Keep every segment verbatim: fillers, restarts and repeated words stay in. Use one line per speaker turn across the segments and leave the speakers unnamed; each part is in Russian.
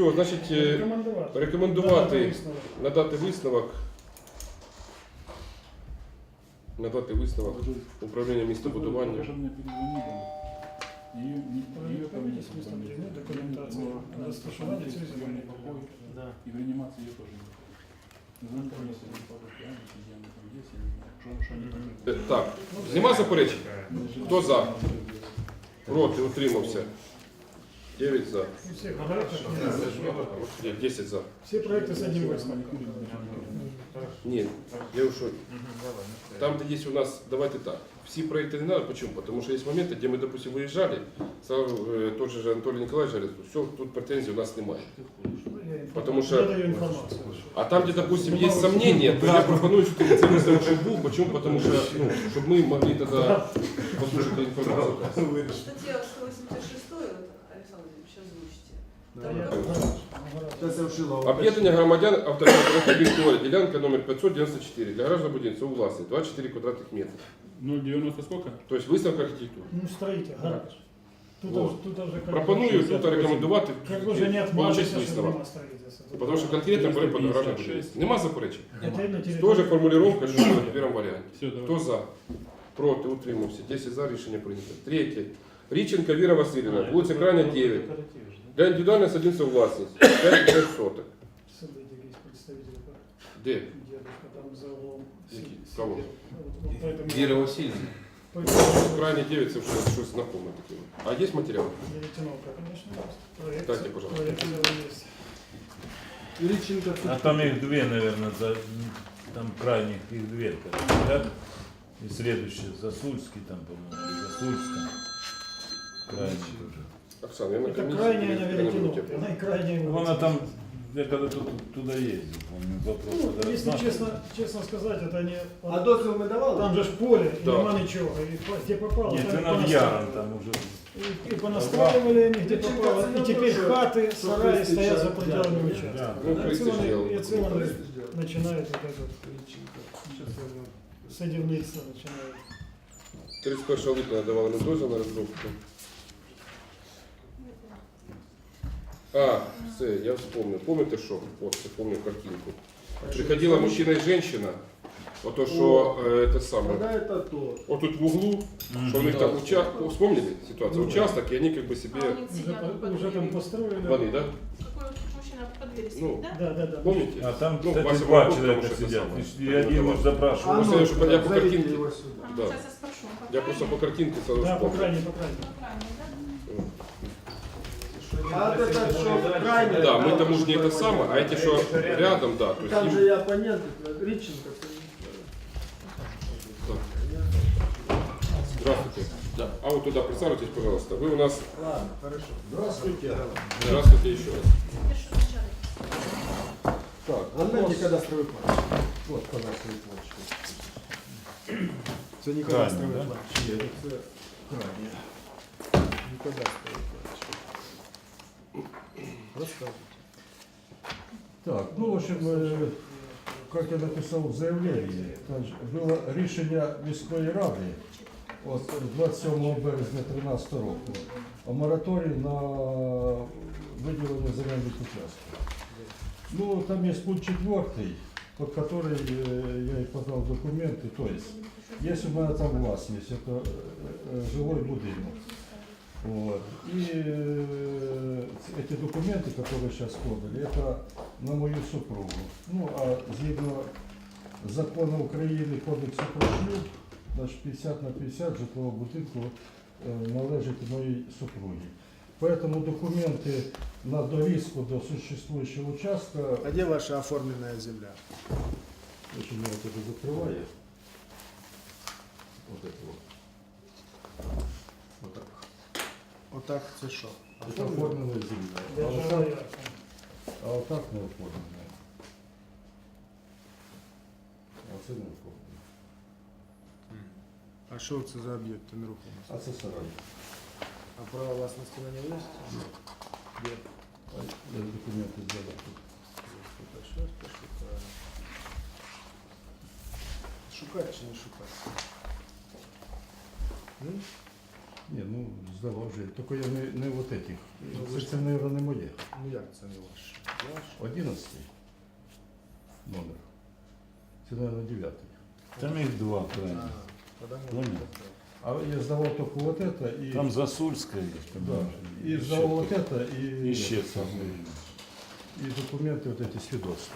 Все, значить, е,
Рекомендувати.
рекомендувати
Надати висновок.
надати висновок. Надати висновок управління містобудування.
Покажи мне перезвонили. Ее, ее
Проведите местобудівну документацію, розташування цієї земельної
покой.
Да.
И в реанимации ее тоже не покой. Звонит комиссия, не покой, я не сидел, они там есть, или нет. Что, что они покой?
Е, Так, нема заперечень? Хто за? Проти, утримався. дев'ять за.
У всіх проєктах є.
Ні, десять за.
Всі проекти з одним висновком.
Ні, я уж там, где есть у нас, давайте так, все проекты не надо, почему? Потому что есть моменты, где мы, допустим, выезжали, сразу э, тот же Анатолий Николаевич говорит, все, тут претензий у нас немає. Потому что-
Я даю інформацію.
А там, где, допустим, есть сомнения, то я пропоную все-таки це виставити, щоб був. Почему? Потому что, ну, чтобы мы могли тогда послушать информацию.
Статья сто восемьдесят шесть, вот, Александр Владимирович, озвучите.
Да,
Там
я-
как-
Сейчас я вшила.
Об'єднання громадян автомобільної ділянка номер п'ятсот дев'яносто чотири для граждан будинця у власності двадцять чотири квадратних метра.
ноль девяносто сколько?
Тобто виставка архітектури.
Ну, строите, гараж. Тут,
Вот.
уже- тут уже как
Пропоную
бы
тут рекомендувати
Как бы уже не
получить
отмазаться, что
висновок.
нема строительства. Тут
Потому що конкретно були під гаражне будівництво. Нема заперечень.
это на территории-
Тоже формулировка, що в першому варіанті.
Все, давай.
Хто за? Проти, утримався. десять за, рішення прийнято. Третє. Річенка Віра Васильівна, вулиця Крайня, дев'ять. Для індивідуальної садівництва власність. п'ять соток.
Сюда есть представитель.
Де?
Дедушка там за углом.
Які?
сидит.
Кого?
Вот- вот поэтому-
Віра Васильівна.
поэтому-
Крайня дев'ять, це вже щось знакоме таке. А є матеріал?
Веретеновка, конечно, есть. Проект,
Дайте, пожалуйста.
проект дело есть.
Личинка.
А там их две, наверное, за, там крайних их две, короче, да? И следующие Засульский там, по-моему, или Засульская. Крайний тоже.
Оксана, я на
Это
комісії.
крайняя на
я не
Веретеновке.
буду
Она и крайняя.
Ну, она там, я когда тут, туда ездил, помню, вопрос.
Ну,
когда
если
рассматривали.
честно, честно сказать, это не...
А дозвіл ми давали?
Там же ж поле, и
Да.
нема ничего. И по- где попало,
Нет,
там
ты
и
над
понастраивали.
Яром там уже.
И, и понастраивали они, где
Личинка
попало.
цена
И теперь
тоже,
хаты,
что
сараи
Христи
стоят за
чай,
пределами
да.
участка.
Да.
Ну,
И
Христи
отсюда-
сделал.
и отсюда
Ну, Христи сделал.
начинают вот это
Личинка. Сейчас я вам-
садівництво начинают.
тридцять першого липня надавали на дозвіл на розробку. А, все, я вспомнил. Помните що? От, я помню картинку. Приходила мужчина і жінка, ото що, е, те саме.
Когда это то?
Вот тут в углу, что у них там участок, вспомнили ситуацию, участок, и они как бы
А
себе,
они
Уже,
сидят
по-
под
уже там
дверью.
построили.
ваны, да?
Какой мужчина под дверью
Ну,
сидит, да?
Да, да, да.
Помните?
А там,
Ну,
кстати,
Вася
два
Волков,
человека
потому что это
сидят.
самое.
И один
Ну,
уж запрашивал.
Просто я, чтобы я по
зовите
картинке-
его сюда.
Да.
Сейчас я спрошу. По
Я просто по картинке сразу
Да, по
вспомнил.
крайней, по крайней.
По крайней, да?
А вот это что крайне?
Да, мы тому же не это самое, а эти что рядом, да, то есть
Там
им-
же и оппоненты, Риченко.
Здравствуйте. Да. А вот туда присаживайтесь, пожалуйста. Вы у нас...
Ладно, хорошо. Здравствуйте.
Здравствуйте еще раз.
Я что вначале?
Так, Аннете кадастровый план. Вот кадастровый план. Це не
Крайне,
кадастровый
да?
план. Ні, це крайне. Не кадастровый план. Рассказывайте.
Так, ну, в общем, э, как я написал в заявлении, там ж було рішення міської ради от двадцять сьомого березня дві тисячі тринадцятого року о мораторії на виділення земельних участків. Ну, там есть пункт четвертый, под который э, я и подал документы. То есть, если у меня там властность, это э, э, жилой будинок. Вот. И э, эти документы, которые сейчас подали, это на мою супругу. Ну, а згідно закону України, кодексу про шлюб, значить п'ятдесят на п'ятдесят житлового будинку э, належить моїй супругі. Поэтому документы на довеску до существующего участка,
А где ваша оформленная земля?
очень я вот это закрываю. Вот это вот. Вот так.
Вот так, це що?
Это оформленная земля. А вот
Держава
так,
я.
а вот так не оформленная. А це не оформлено.
А що це за об'єкти нерухомості?
А це сарай.
А право власності на нього є? Де?
А я документы сделал тут.
Щось пошукаю. Шукати чи не шукати? М?
Не, ну здавав вже. Тільки я не, не вот этих. Це, це, мабуть, не моє.
Ну як це не ваше? Ваш?
Одинадцятий номер. Це, мабуть, дев'ятий.
Там их два крайних. Понял.
А я сдавал только вот это и...
Там Засульская есть.
Да, и
Еще
сдавал вот
тут.
это и...
Еще
это
там.
самое, и документы вот эти свидетельства.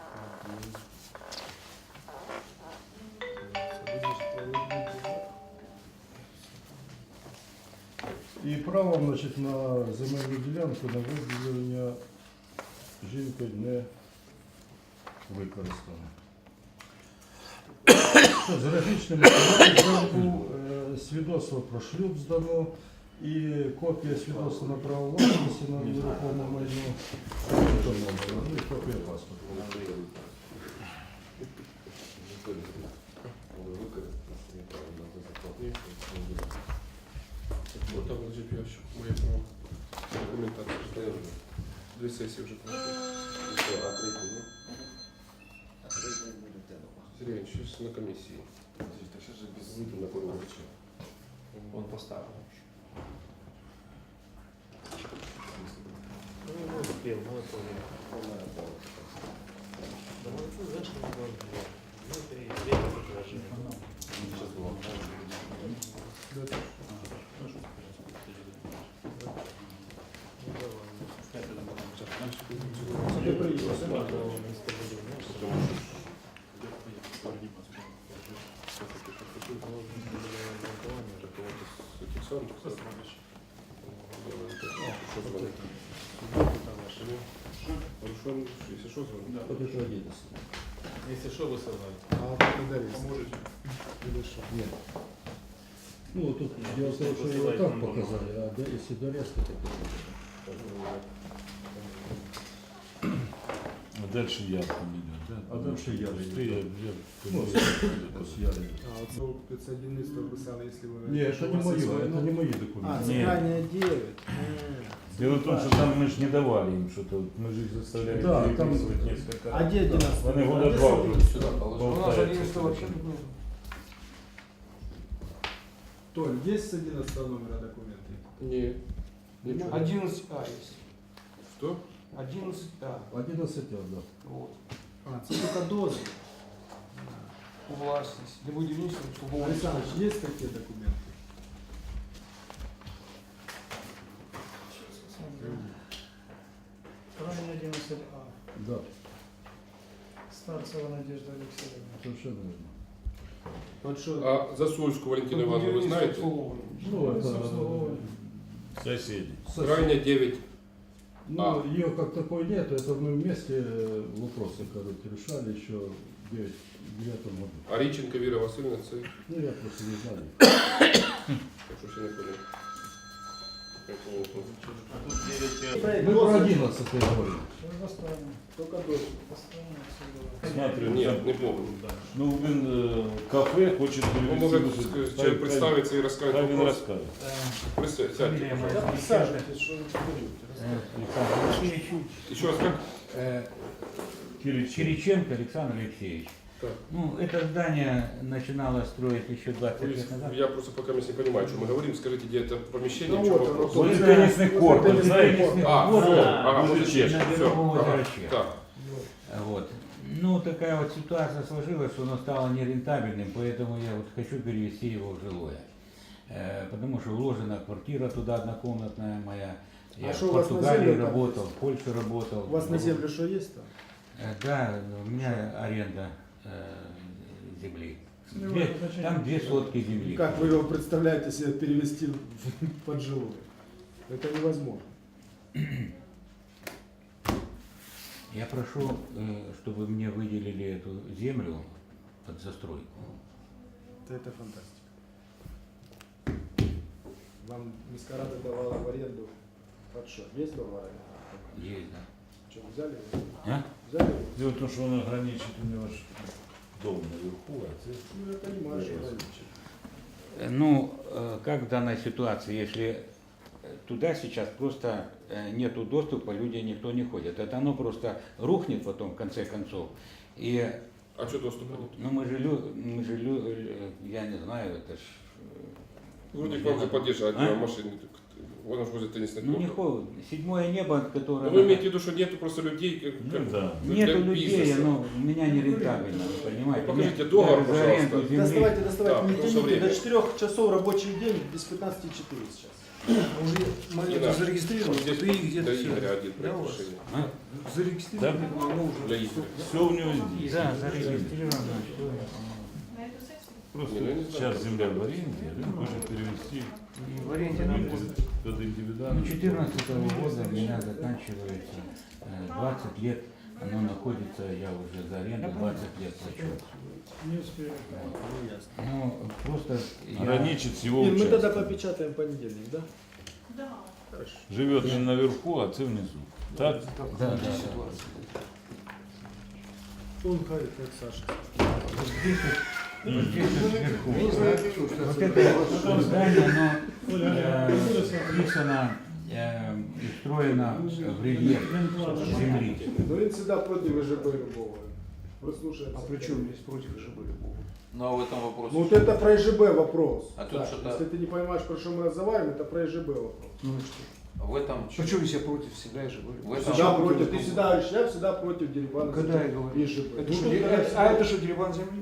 І право, значить, на земельну ділянку на виділення жінкою не використано. Що, з графічними документами е, свідоцтво про шлюб здано і копія свідоцтва на право власності на нерухоме майно. Ну і копія паспорту.
Вот там лежит ящик. Моя права. Документация стояла. Две сессии уже прошли.
А третий нет? А третий будет это.
Сергей, сейчас на комиссии.
Сейчас же без
Выйду на круг.
Он поставил.
Ну, успел, ну, это уже. Да, ну, это зачем не было? Ну, три, три, предложение.
Сейчас было.
Це приїхав.
Хорошо, если что, звоню.
Вот это одиннадцать.
Если что, вы создали.
А благодарю. Поможете? Или що?
Нет. Ну, тут дело в том, что его так показали, а да, если до резко, то
А дальше яр там идет, да?
А дальше яр
Ты,
идет,
я,
да.
я,
Ну, с Ярой.
А, оце спецодільництво писали, якщо ви...
Не, это не мое, это не мои
А,
документы.
це
Ні.
крайня дев'ять.
Дело в том, что там мы же не давали им что-то, вот мы же их заставляли
Да, там-
переписывать несколько
А
раз.
де одинадцятий?
Вони года
А де
два
сидить?
вже
Сюда положил.
У нас
болтаются.
одиннадцатого вообще тут нет. Толь, есть с одиннадцатого номера документы?
Не. Ничего.
одиннадцать А есть.
Что?
одиннадцать А.
одиннадцать, да.
Вот.
А, це тільки дози.
У властность. Не будем ничего, чтобы
Александр, есть такие документы?
Крайне одиннадцать А.
Да,
Старцева Надежда Алексеевна.
совершенно верно.
Вот что,
А Засульскую Валентину Ивановну вы знаете?
Ну, это...
Обслуговывание.
Соседи.
Крайне девять.
Ну,
А.
ее как такой нет, это мы вместе э, вопросы, короче, решали еще в девятом году.
А Риченко Вера Васильевна, це...
Ну, я просто не знаю.
Я щось я не понял. Поэтому вот.
А тут девять
Мы про одиннадцатый говорим.
Все достанем.
только дози.
Достанем отсюда.
Смотрю,
Нет,
там-
не помню.
Ну, він е, кафе хочет
Он
перевести.
может
вот
ск-
это.
человек представиться и рассказать
Хай він
вопрос.
розкаже.
Присядь, сядьте,
Фамилия моя.
пожалуйста.
Присаживайтесь, что вы говорите.
Александр Алексеевич.
Еще раз как?
Э,
Кириченко.
Кириченко Александр Алексеевич.
Так.
Ну, это здание начиналось строить еще двадцать
Вы-
лет назад.
Я просто пока не понимаю, о чем мы говорим. Скажите, где это помещение,
Ну
в чем
вот,
вопрос?
оно,
Вот
Вот
теннисный
это-
корт,
вот
вы
это
знаете?
теннисный
А,
Вот,
все,
да,
ага,
возле
вот
Чешки.
на
все,
Берегу озера
ага,
Чех.
так.
Вот. Ну, такая вот ситуация сложилась, что оно стало нерентабельным, поэтому я вот хочу перевести его в жилое. Э, потому что вложена квартира туда однокомнатная моя. Я
А
в
что у вас на
Португалии
землю там
работал, в Польше работал.
У вас на землю что есть там?
Э, Да, у меня аренда э, земли.
Ну,
Две-
это значит,
там две сотки земли.
Как вы его представляете себе перевести в- под жилой? Это невозможно.
Я прошу, э, чтобы мне выделили эту землю под застройку.
Это, это фантастика. Вам Мискарада давала в аренду под что? Весь дом в аренду?
Есть, да.
Что, взяли его?
А?
Взяли его?
Дело в том, что он ограничит у него ж дом наверху, а це...
Ну, я понимаю, что ограничено.
Э, Ну, э, как в данной ситуации, если э, туда сейчас просто э, нету доступа, люди никто не ходит. Это оно просто рухнет потом в конце концов. И
А что доступа нет?
ну мы же, лю- мы же лю- э, я не знаю, это ж э,
Вроде к вам же поддержать
А?
машины. Он уж возле теннисных
Ну не
кортов.
холодно. Седьмое небо,
Но
которое...
вы имеете в виду, что нету просто людей, как,
Ну
как-
да.
для
Нету людей,
бизнеса.
но у меня не рентабельно, вы понимаете.
Ну, покажите
Мне
договор,
даже за аренду
пожалуйста.
земли-
Доставайте, доставайте,
Да,
не
потому что
тяните,
время.
до четырёх часов рабочий день без пятнадцати четыре сейчас.
Уже
Не
монету
надо.
зарегистрировал,
Вот здесь
ты где-то
для
все.
Игоря один
Да,
проект
у вас?
решения.
А?
Зарегистрировал, но уже
Для Игоря.
Все у него здесь.
Да, зарегистрировано. всё.
На эту сессию?
Просто
Не, ну, я не знаю.
сейчас земля в аренде, он хочет перевести
и в аренде нам будет.
под
Ну,
индивидуальную.
четырнадцатого года у меня заканчивается э, двадцать лет, оно находится, я уже за аренду двадцать лет плачу.
Не успели.
Ну, просто я...
Граничит с его
Ир, мы тогда
участком.
попечатаем в понедельник, да?
Да.
Хорошо.
Живет не наверху, а ты внизу. Так?
Да, да, да.
Он говорит, как Саша.
Вот здесь вот сверху. Вот это здание, оно э, вписано э, и встроено в рельеф земли.
Ну, он всегда против ЖБ любого. Послушай.
А при чем здесь против ЖБ любого?
Ну а в этом вопросе.
Ну, вот это про ЖБ вопрос.
А тут
Да,
что-то-
Если ты не понимаешь, про что мы разговариваем, это про ЖБ вопрос.
Ну и что?
В этом.
Почему я против всегда и ЖБ?
В этом-
Всегда против. Ты всегда говоришь, я всегда против Дерибана.
Когда я говорю?
И ЖБ.
Это
Ну,
что,
тут
де-
давай
а это что, дереван земли?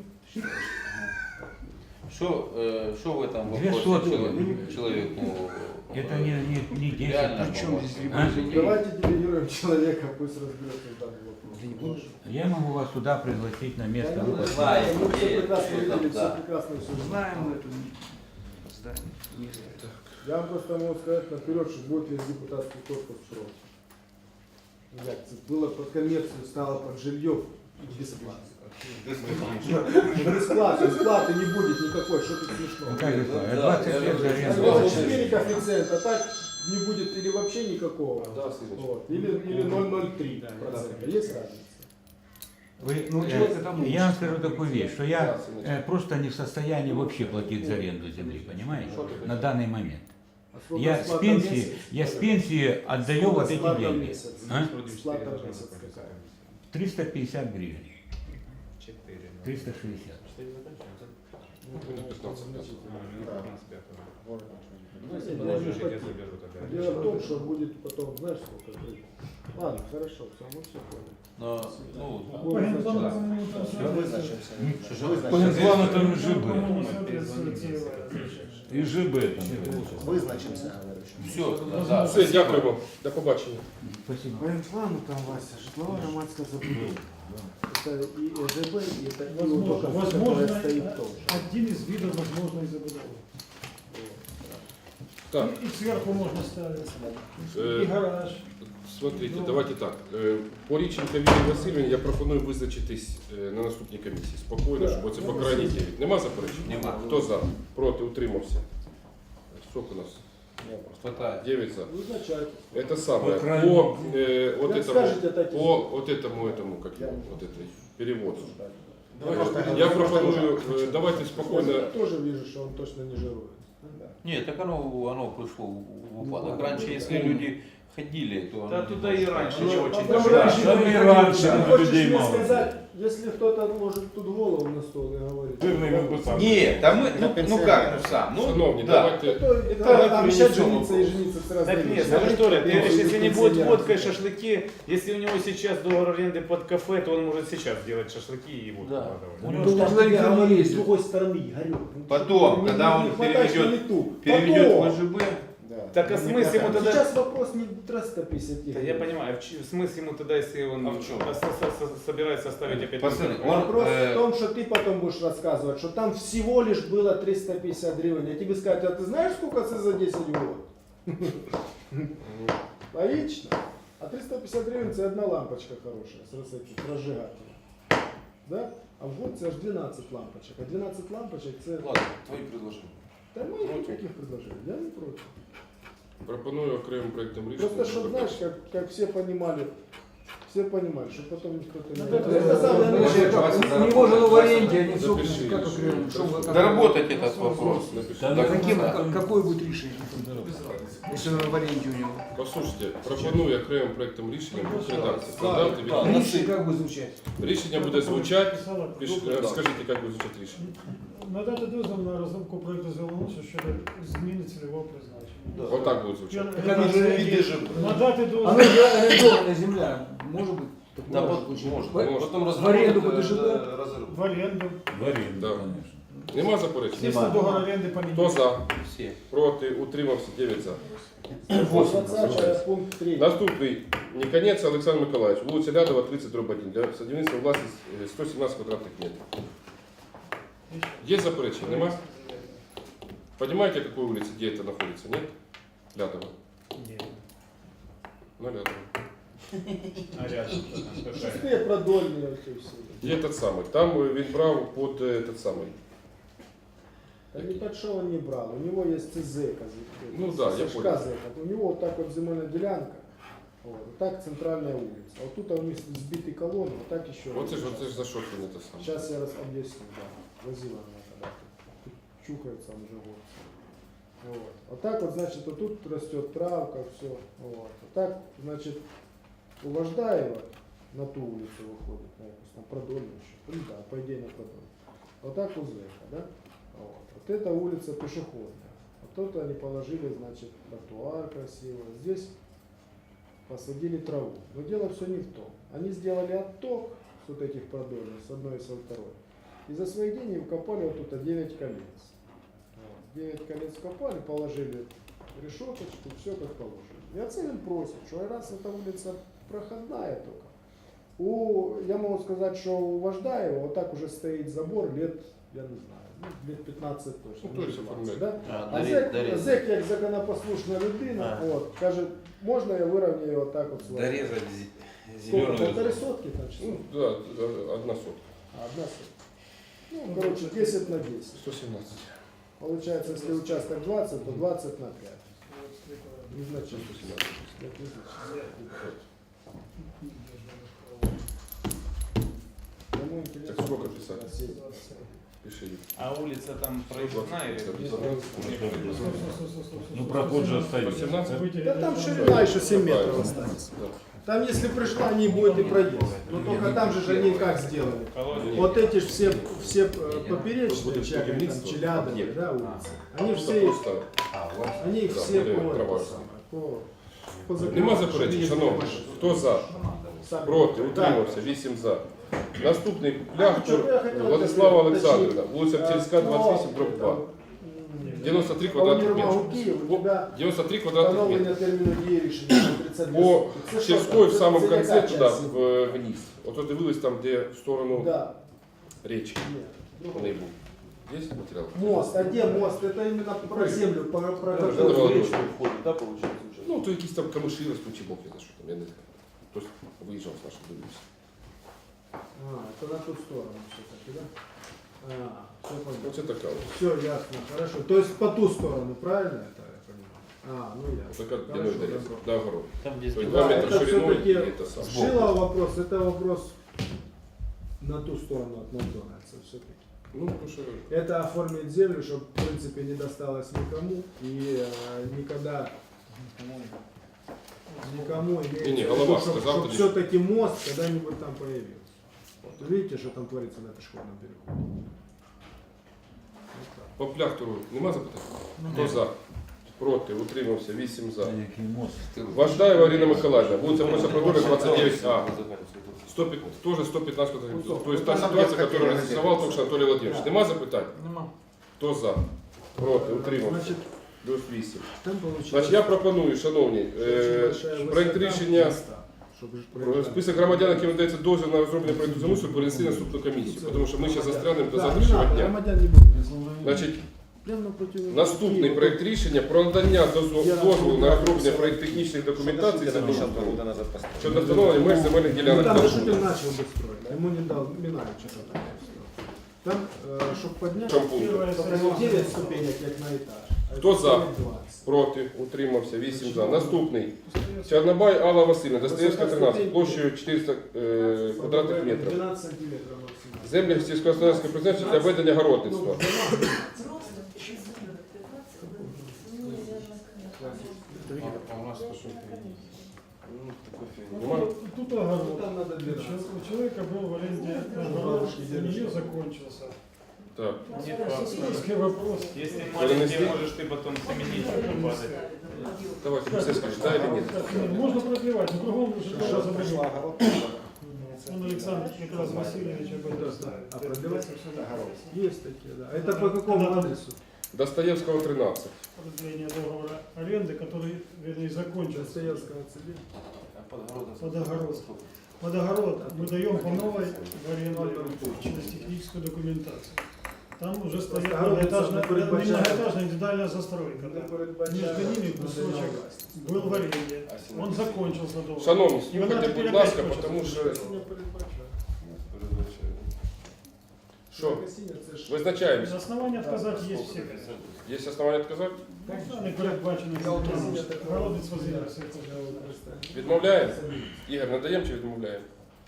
Что, э, что в этом
Две
вопросе
сотки.
человек- человеку?
Это не, не, не десять.
Реально
При чем здесь
помочь?
А?
дереван
Давайте делегируем человека, пусть разберется в данном вопросе.
Я могу вас сюда пригласить на место.
Да,
вы
мы
посмотрите.
знаем,
мы все
где,
прекрасно
что там,
видели, все
да.
прекрасно все
Знаем мы это здание. Не знаю.
Я вам просто могу сказать наперед, что будет весь депутатский корпус против. Як це было под коммерцию, стало под жилье и бесплатно. Бесплатно, бесплаты не будет никакой, что тут
Ну
смешно.
как это?
Да,
двадцать
я
лет за
же-
аренду.
Сказал, четыре коэффициента, а так не будет или вообще никакого.
Да, Сыночка.
Вот. Или, или ноль ноль три процента. Есть разница?
Вы,
Ну,
э,
человек это может.
я вам скажу такую вещь, что я
Да, сыночка.
э, просто не в состоянии вообще платить за аренду земли, понимаете, на данный момент.
А сколько
Я с
сплата в
пенсии,
месяц?
я с пенсии отдаю
Сколько
вот эти
сплата в
деньги.
месяц?
А?
Сплата в месяц какая?
триста пятьдесят гривен. триста шестьдесят.
Дело в том, что будет потом, знаешь, сколько будет. Ладно, хорошо, все, мы все поняли.
Но, ну,
По генплану,
Да.
по-моему, там
Все
соответствует-
визначимося.
По генплану там и
по-моему,
ЖБ.
соответствует целевая.
И ЖБ там.
Визначимося, говорю.
все, да.
Все, дякую вам. До побачення.
Спасибо.
По генплану там, Вася, житловая громадская забудова. Это и ЖБ, и это и вот только
Возможно,
которая
возможно,
стоит тоже.
один из видов возможной забудовы.
Так,
И, и сверху можно ставить.
Э,
И гараж.
смотрите, давайте так. Е, По Річенка Вірі Васильівні я пропоную визначитись е, на наступній комісії. Спокійно, щоб оце по крайній дев'ять. Нема заперечень?
Нема.
Хто за? Проти? Утримався? Сколько у нас?
Хватает.
девять за.
Вызначайте.
Это самое.
По крайней
По, э, вот
Как
этому,
скажете, так и
по вот этому, этому, как его, вот этой переводу.
Давай,
Я пропоную, э, давайте
Я
спокойно.
тоже вижу, что он точно не жирует.
Нет, так оно, оно пришло в упадок. Раньше, если люди ходили, то...
Да
оно
туда и раньше
Ну,
не очень.
потом
даже.
раньше
Там
не
и
ходили.
раньше
Ты
на
хочешь
людей
мне
мало.
сказать, если кто-то может тут голову на стол и говорит.
Жирный мог бы сам.
Нет, да мы, ну, ну как, ну сам, ну
Шановні,
да.
давайте.
Это,
Это
это обещать
принесем
жениться и жениться с разными.
Так нет,
людьми.
ну что ли, ты говоришь, если не будет
Пенсионерам.
водка и шашлыки, если у него сейчас договор аренды под кафе, то он может сейчас делать шашлыки и водку
Да.
продавать.
Ну,
Ну,
что ж
что
тебе
никто не
говорить с
ездит.
другой стороны, Игорек? Ну,
Потом,
не-
когда
не
он
хватаешь
переведет-
на лету.
Переведет
Потом.
в ЖБ.
Да.
Так а
Не
смысл ему
хватает.
тогда...
Сейчас вопрос не триста пятьдесят.
Да я понимаю, в ч- смысл ему тогда, если он
А в чем?
со- со- со- собирается оставить опять...
Пацаны,
на-
он-
Вопрос
э,
в том, что ты потом будешь рассказывать, что там всего лишь было триста пятьдесят гривен. Я тебе скажу, а ты знаешь, сколько это за десять год? Логично. А триста пятьдесят гривен это одна лампочка хорошая с розетки, с разжигателем. Да? А в год это аж двенадцать лампочек. А двенадцать лампочек это...
Ладно, твои предложения.
Да моих никаких предложений, я не против.
Пропоную окремим проєктом рішення.
Просто, чтобы, знаешь, как, как все понимали, все понимали, что потом кто-то не...
Ну, это-
Это
это-
самое
это-
лучшее.
У него же в аренде, они
Запиши,
собственно, как
запиши.
окремо, что вы-
Доработать этот вопрос.
Напиши.
Да,
До
Каким,
конца.
какое будет решение?
Да.
Если он в аренде у него.
Послухайте, пропоную окремим проектом рішення в редакції.
Да,
Стандарти від-
да. Рішення як буде звучати?
Рішення буде звучати.
Писала,
Піш- Розкажіть, як буде звучати рішення.
надати дозвіл на розробку проекту землеустрою щодо зміни цільового призначення.
Отак буде звучати.
Так оно же виды же.
Надати дозвіл.
Оно же арендованная земля. Может быть? такое
Да,
может
вот
быть.
можно.
В-
Потом
В аренду
разработать,
подожди,
э,
да?
разрыв.
В оренду.
В аренду,
Да.
конечно.
Нема заперечень?
Если договор аренды
Хто
поменять.
за?
Все.
Проти? Утримався? дев'ять за.
двадцать пункт три.
Наступний. Ніконець Олександр Миколаївич. Вулиця Лядова, тридцять дроб один. Для садівництва власність е, сто сімнадцять квадратних метрів. Є заперечення? Нема? Понимаете, какой улице, где это находится, нет? Лядова.
Нет.
На Лядова.
А рядом что там? Какая?
Шестые продольные вообще все.
Є этот самый. Там е, він брав под е, этот самый.
Да не под что он не брал. У него есть ЦЗ.
Ну да, я понял.
У него вот так вот земельная делянка. Вот, вот так центральная улица. Вот тут у них сбитый колонны, вот так еще.
Вот це ж, оце ж за що він це саме.
Сейчас я раз объясню, да. Возила меня когда-то. Тут чухается он уже год. Вот. Вот так вот, значит, вот тут растет травка, все. Вот. Вот так, значит, у Вождаева на ту улицу выходит, на якусь там Продольную еще. Ну да, по идее на Продольную. Вот так у Зека, да? Вот. Вот эта улица пешеходная. Вот тут они положили, значит, тротуар красивый. Здесь посадили траву. Но дело все не в том. Они сделали отток с вот этих продольных, с одной и со второй. И за свои деньги вкопали вот тут девять колец. Вот. девять колец вкопали, положили решеточку, все как положено. И Ацелин просит, что раз эта улица проходная только. У, я могу сказать, что у Вождаева вот так уже стоит забор лет, я не знаю, ну, лет пятнадцать точно.
Ну, то есть
двадцать,
оформляет.
да?
А,
А
дари-
зек,
дорезать.
зек як законопослушна людина,
А.
от, каже, можна я вирівняю отак от свою?
Дорезать зе-
Сколько,
зеленую
полторы
зону.
сотки там число?
Ну, да, е, одна сотка.
А, одна сотка. Ну, короче, десять на десять.
сто сімнадцять.
Получается, если участок двадцать, то двадцать на пять. Незначительно.
сто сімнадцять.
Это незначительно. Кому интересно,
Так сколько
можете
писать?
спросить.
Пиши.
А улица там проездная или?
Ну, проход же остается.
восемнадцать?
Да там ширина еще семь метров останется.
Да.
Там, если пришла, не будет и проезд. Но только там же же они как сделали. Вот эти же все, все э, поперечные, чья- там, Челядовые, да, улицы, они
Просто
все,
просто.
они их
Да,
все
более
по, это
травою.
самое, по, по
Нема
закону,
заперечень,
что
шановні.
ездили
Хто за?
сами.
Проти,
Так.
утримався, вісім за. Наступний пляхтур
Що я хотів
Владислава
уточнити?
Олександрівна, вулиця Пчельська, двадцять вісім, дроб два. девяносто три квадратних
По
метра.
Киев у тебя
девяносто три квадратних метра.
поновлення терміну дії рішення тридцять дві
По
сотки. Це що
Черской
там?
в самом
Це
конце
яка
туда,
часть?
в- вниз. Ото дивились там, де в сторону
Да.
речки.
Ні.
Вони був. Є матеріал?
Мост, а где мост? Это именно про землю, про, про
Да,
какую
да, да.
речку.
Входит, да, получается уже?
Ну, то якісь там камиші ростуть, чи бог я знаю, що там, я не знаю. Хтось виїжджав з нашого дивився.
А, это на ту сторону все-таки, да? А, все понятно.
Оце така ось.
Все ясно, хорошо. То есть по ту сторону, правильно это я понимаю? А, ну ясно.
Така длиною
Хорошо,
доріг.
добро.
До огород.
Там, где
То есть
Да,
два метра
это
шириной
всё-таки
и это самое.
Шила вопрос, это вопрос на ту сторону от Макдональдса все-таки.
Ну, потому що
Это оформить землю, чтобы в принципе не досталось никому и э, никогда никому
Не-не, голова
чтобы,
сказал, ты
все-таки мост когда-нибудь там появился. Вот. Видите, что там творится на пешеходном переходе? Вот так.
по пляхтуру нема запитань? Хто за? Проти, утримався, вісім за.
Який мост.
Вождаєва Ірина Миколаївна, вулиця Мося Продоля, двадцять дев'ять А. сто пятнадцать, тоже сто пятнадцать квадратных. То есть та ситуация, которую нарисовал только что Анатолий Владимирович. Нема запитань?
Нема.
Хто за? Проти, утримався.
Значит,
Плюс вісім.
там получилось
Значить, я пропоную, шановні, е, проект рішення, про список громадян, яким надається дозвіл на розроблення проекту замусу, перенести на наступну комісію, тому що ми ще застрянемо до завтрашнього дня. Значить, наступний проект рішення про надання дозволу дозволу на розроблення проект-технічних документацій землеустрою щодо встановлення меж земельних
Ну,
ділянок.
там же Шутин начал бы строить, а ему не дал Минаев что-то там. Там, чтобы поднять,
В чому пункт?
только девять ступенек, как на этаж. а
Хто
это
за?
двадцать.
Проти, утримався, вісім за. Наступний. Чорнобай Алла Васильівна, Достоєвська, тринадцять, площею чотириста е, квадратних метрів.
двенадцать сантиметров максимально.
Землі сільськогосподарського призначення для ведення городництва.
Взрослых, пятнадцать, ну, наверное,
А у нас то, что
Ну, такой фигни.
Нема?
Тут огород.
Там надо две
У человека был в аренде огород, у нее закончился.
Так.
Сельский вопрос.
Если
Перенести?
маленький, можешь ты потом заменить, чтобы падать.
Давайте, все скажешь, да или нет?
Нет, можно продлевать, но кругом уже тоже
Пришла
забыл.
огород.
Он Александр Николаевич Васильевич об этом знает.
А продлевать?
Огород.
Есть такие, да. А это по какому адресу?
Достоевского тринадцать.
Продление договора аренды, который, вернее, закончился.
Достоевского цели.
Под огород. Под огород мы даем по новой в аренду через техническую документацию. Там уже стоит многоэтажная, многоэтажная индивидуальная застройка. Да. Между ними кусочек был в аренде. Он закончился договор.
Шановні,
І вона
слухайте,
тепер
будь
опять
ласка,
хоче
тому що... Що? Визначаємося.
На основании отказать есть все.
Є основання відказати?
Не передбачено. Городець возився.
Відмовляємо? Ігор, надаємо чи відмовляємо?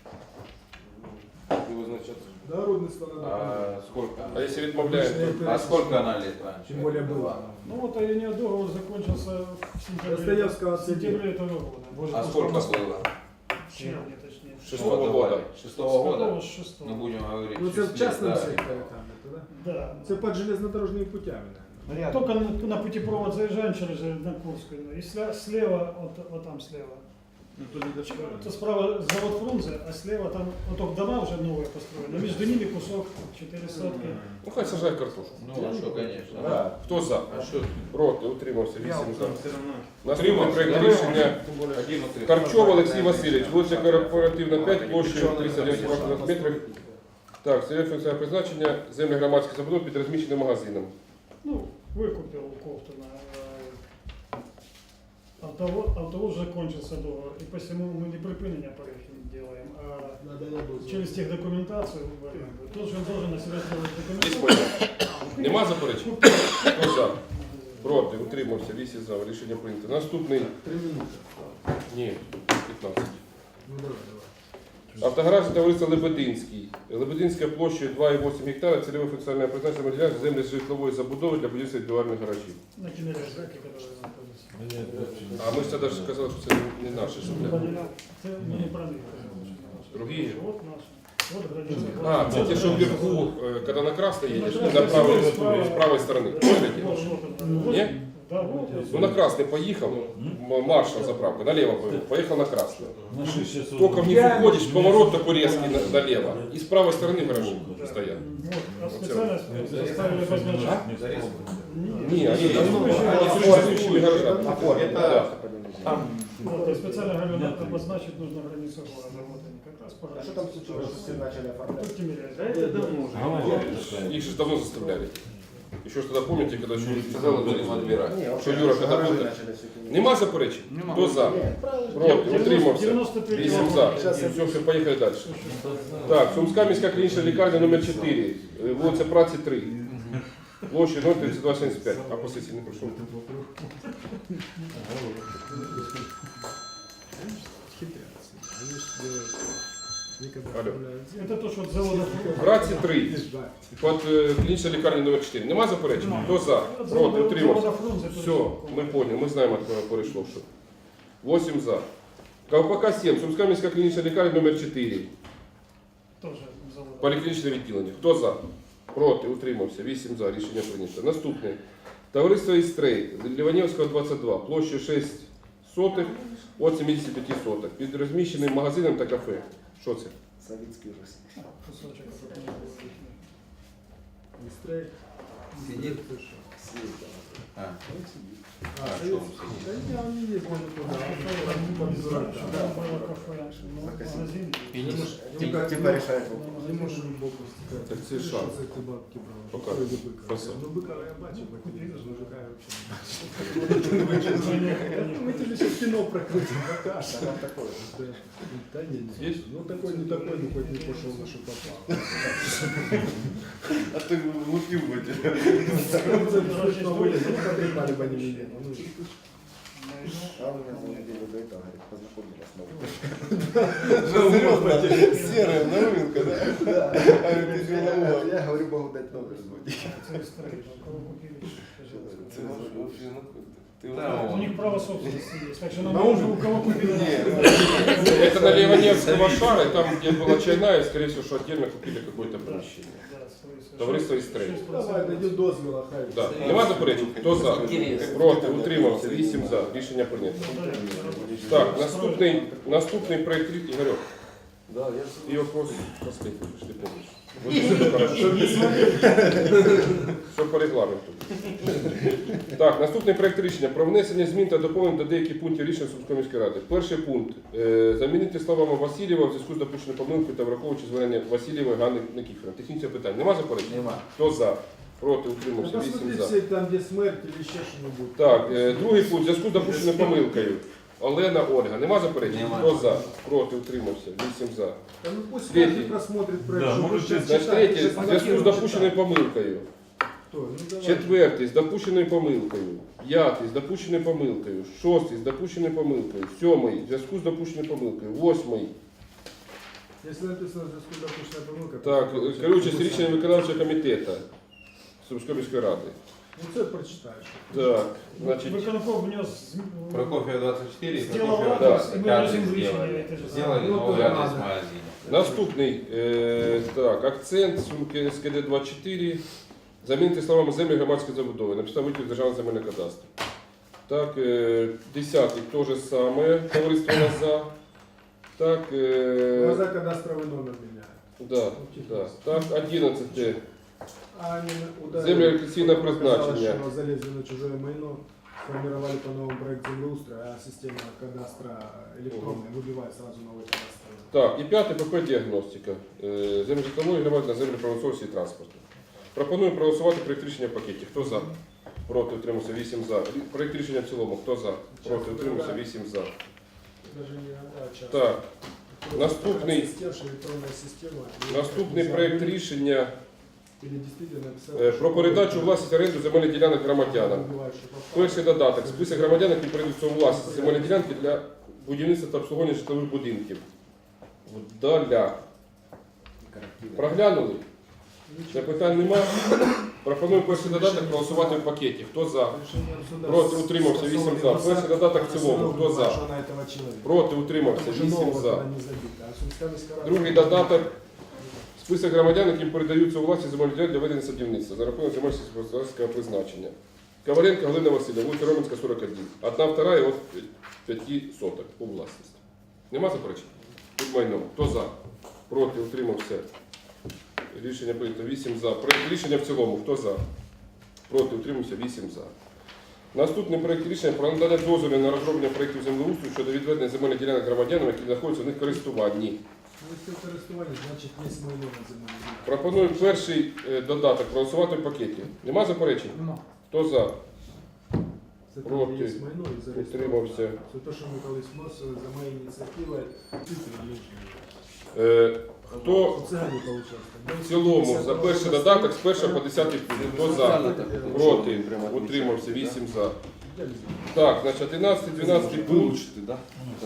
Не визначати.
Народництво надо.
А сколько?
А якщо відмовляємо?
А сколько она лет раньше?
Тем более было.
Ну вот а у нее договор закончился в сентябре,
Достоевского
в сентябре этого года.
А сколько было?
В червне, точнее.
Шестого года.
Шестого года?
Шестого, с шестого.
Мы будем говорить.
Ну это в
числе,
частном
да.
секторе там это, да?
Да.
Это под железнодорожными путями, наверное.
Только на, на путепровод заезжаем через на Курскую. И слева, слева вот, вот там слева.
Ну, то ли даже
Это справа завод Фрунзе, а слева там вот только дома уже новые построены. Но между ними кусок четыре сотки.
Ну хай сажає картошку.
Ну, а что, конечно.
Да.
Хто за?
А что?
Проти, утримався, вісім за.
все равно.
Наступний проект рішення.
Один утримався.
Карчов Олексій Васильович, вулиця Корпоративна п'ять, площею триста дев'ять квадратних метрів. Так, це функціональне призначення, землі громадських забудов під розміщеним магазином.
Ну, выкупил у Ковтуна. Автовоз, автовоз закончился договор, и посему мы не припинение проекта не делаем, а
Надо я
через техдокументацию в аренду. Тут же он должен на себя сделать
Є
документацию.
питання? Нема заперечень? Хто за? Проти, утримався, вісім за. Рішення прийнято. Наступний.
Три минуты.
Ні, п'ятнадцять.
Ну давай, давай.
Автогаражне товариство Лебединський. Лебединська площею два і вісім гектара, цільове функціональне призначення ділянки землі з житлової забудови для будівництва індивідуальних гаражів.
На киноряжаке, который находится.
А ми ж тоді ж сказали, що це не наше, що для
Это не про них.
другі.
Вот наш. Вот граница.
А, це ті, що вверху, е, коли на красне їдеш, на правій, з правої сторони. Помните?
Вот, вот он.
Ні?
Да, вот. вот.
Ну на красный поехал, м- маршал заправка, налево поехал, поехал на красный.
На шесть часов.
Только в них уходишь, поворот такой резкий на- налево, и с правой стороны гаражи стоят.
Вот. А специально заставили обозначить.
Не, они давно, они существующими гаражами. Да.
Там
Вот, и специально говорю, обозначить нужно границу города. Вот они как раз по
А что там случилось, что все начали оформлять?
Тут Тимирязев.
Да это давно уже.
Их же давно заставляли. Еще что-то помните, когда еще сказали,
будем отбирать.
Не,
что Юра, когда был,
начали все это.
нема заперечень?
Нема.
Кто за? Проти, утримався.
девяносто третий
Вісім за.
год.
Все, все, поїхали далі. Так, Сумська міська клінічна лікарня номер чотири, е, вулиця Праці три. Площа ноль тридцять два сімдесят п'ять. А по сесії не пройшов.
Хитрятся. Они же делают. Никогда
Алло.
оформляют землю.
Это то, что от завода.
Праці три. Під е, клінічна лікарня номер чотири. Нема заперечень? Хто за?
От
Проти,
завода-
утримався.
завода Фрунзе
Все,
перейшов.
ми поняли, ми знаємо, от кого перейшло. Що. восемь за. Ковпака сім. Сумська міська клінічна лікарня номер чотири.
Тоже завода.
Поліклінічне відділення. Хто за? Проти, утримався. вісім за. Рішення прийнято. Наступне. Товариство Істрей. Ліванівського двадцять два. Площа шість сотих від сімдесят п'ять сотих. Під розміщеним магазином та кафе. Що це?
Советский ужас.
Кусочек.
Быстрее.
Сидит. А,
А, совет- Да не, он не ездил туда. Он по безрачию.
Там было кафе, ну, магазин.
Типа, типа решает
Не
вопрос.
можешь глубоко стекать.
Так це шанс.
Что ты бабки брал?
Пока.
Что это быка?
Красава.
Ну быка я бачу, по телевизору, мужика я вообще не бачу. Мы тебе сейчас кино прокрутим, покажешь.
Там такое.
Да не, не.
Есть?
Ну такой, не такой, ну хоть не пошел на что попал.
А ты лупил бы тебя.
Ну, вылез, ну, потрепали бы они меня. Ну,
А он меня за неделю до этого, говорит, познакомились новый. Серьезно, серая новинка, да? Да. А ты деловой. Я говорю, могу дать номер звонить.
Це історія, кого купили.
Це вообще, ну,
Да,
У них право собственности есть, так что нам
На
нужно
ужин?
у кого купили.
Это на Левоневского шара, и там, где была чайная, скорее всего, что отдельно купили какое-то помещение. Товариство «Істрей».
Давай, дойдет дозвіла, хай.
Да. Нема заперечень? Хто за? Проти, утримався, вісім за. Рішення прийнято. Так, наступний, наступний проєкт рі- Ігорьок.
Да, я
І вопрос последний, пішли поміж. Вот хорошо. Що по регламенту. Так, наступний проєкт рішення про внесення змін та доповнень до деяких пунктів рішення Сумської міської ради. Перший пункт. Е, замінити словами Васильєва в зв'язку з допущеною помилкою та враховуючи звернення Васильєвої Ганни Никифорівни. Технічне питання. Нема заперечень?
Нема.
Хто за? Проти, утримався,
Ну,
вісім
посмотри
за.
все там, где смерть или еще что-нибудь.
Так, е, другий пункт. В зв'язку з допущеною помилкою. Олена Ольга. Нема заперечень?
Нема.
Хто за? Проти, утримався, вісім за.
Да ну пусть
Третий.
каждый просмотрит проект.
Да,
что
может,
вы сейчас
Значить,
читаете,
третє.
сейчас
В зв'язку з
блокируем,
допущеною
читаем.
помилкою.
Кто? Ну, давай.
Четвертий з допущеною помилкою, п'ятий з допущеною помилкою, шостий з допущеною помилкою, сьомий в зв'язку з допущеною помилкою, восьмий.
Если написано в зв'язку з допущеною помилкою,
Так,
то це
керуючи з
написано.
рішенням виконавчого комітету Сумської міської ради.
Ну це прочитаєш.
Так, значить,
Виконком внес зм-
Прокофьев двадцать четыре,
Сделал
Прокофьев
да.
двадцать,
И мы
каждый
можем
сделали.
решение это же
Сделали
Ну,
новый
то
адрес
надо.
магазина.
наступний, е, так, акцент Сумки СКД двадцять чотири, замінити словами землі громадської забудови, написав витяг державного земельного кадастру. Так, е, десятий, то же саме, товариство нас за. Так, е,
Глаза кадастровый номер меняют.
да, да. Так, одинадцяте.
А они ударили,
Землеэлектрическое
потом оказалось,
предназначение.
что залезли на чужое майно, сформировали по новому проект землеустроя, а система кадастра электронная выбивает сразу новый кадастр.
Так, і п'яте ПП діагностика. Е, Землі житлової громади на землі промисловості і транспорту. Пропоную проголосувати проєкт рішення в пакеті. Хто за? Проти, утримався, вісім за. Рі- Проєкт рішення в цілому. Хто за? Проти, утримався, вісім за.
Даже не а, час.
Так, наступний,
Система, что электронная система.
наступний проєкт рішення
Или действительно написал,
е, про передачу у власність оренду земельних ділянок громадянам. Перший додаток. Список громадян, які передаються у власність земельні ділянки для будівництва та обслуговування житлових будинків. Вдаля. Проглянули? Запитань немає. Пропоную перший додаток проголосувати в пакеті. Хто за? Проти, утримався, вісім за. Перший додаток в цілому. Хто за? Проти, утримався, вісім за. Другий додаток. Список громадян, яким передаються у власність земельні ділянки для ведення садівництва за рахунок земель сільськогосподарського призначення. Коваленко Галина Васильівна, вулиця Роменська, сорок один. Одна вторая от п'яти соток у власність. Нема заперечень? Під майном. Хто за? Проти, утримався. Рішення прийнято вісім за. Проект рішення в цілому. Хто за? Проти, утримався, вісім за. Наступний проект рішення про надання дозволу на розроблення проєктів землеустрою щодо відведення земельних ділянок громадянам, які знаходяться в них користуванні.
Ну, если користування, значить є майно на землі.
Пропоную перший е, додаток проголосувати в пакеті. Нема заперечень?
Нема.
Хто за?
Це
Проти.
там є майно і зареєстровано.
Утримався.
Це те, що ми колись вносили за моєю ініціативою.
Е, хто
У цигані получалось.
в цілому за перший додаток з першого по десятий пункт? Хто за? Проти? Утримався. вісім за. Так, значить одинадцятий, дванадцятий пункт.
Вилучити, да?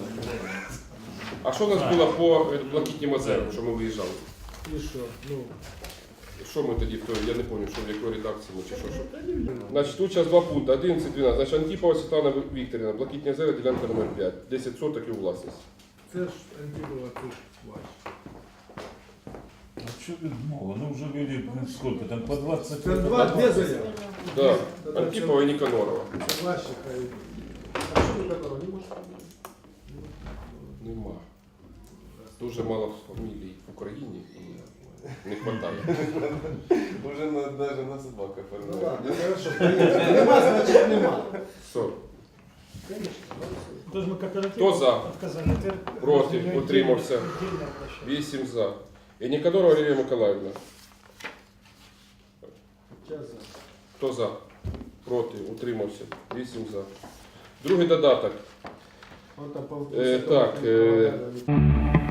А що у нас було по е, Блакитнім озеру, що ми виїжджали?
І що? Ну,
Що ми тоді, в той- я не пам'ятаю, що в якої редакції ми чи що. що. Значить, тут зараз два пункти, одинадцять, дванадцять. Значить, Антипова Світлана Вікторівна, Блакитні озера, ділянка номер п'ять, десять соток і у власність.
це ж Антипова, це ж ваш.
А что тут много? Ну уже люди, блин, сколько там, по двадцать
Це
лет.
два, дві заяви.
Да, Антипова і Ніканорова.
Це ваші, хай. А що ви такого не можете?
Нема. Дуже мало фамілій в Україні і не вистачає.
Уже на, даже на собаках
Ну
оформляють.
ладно, хорошо. Поїхали. Нема, значить нема.
Все.
Конечно,
Тоже мы кооператив
Кто за?
отказали. Теперь
Проти,
отдельно-
утримався.
отдельно обращаться.
Вісім за. І Ніканорова Лілія Миколаївна.
Час за.
Хто за? Проти, утримався. Вісім за. Другий додаток.
Он там по-
Е, так, е,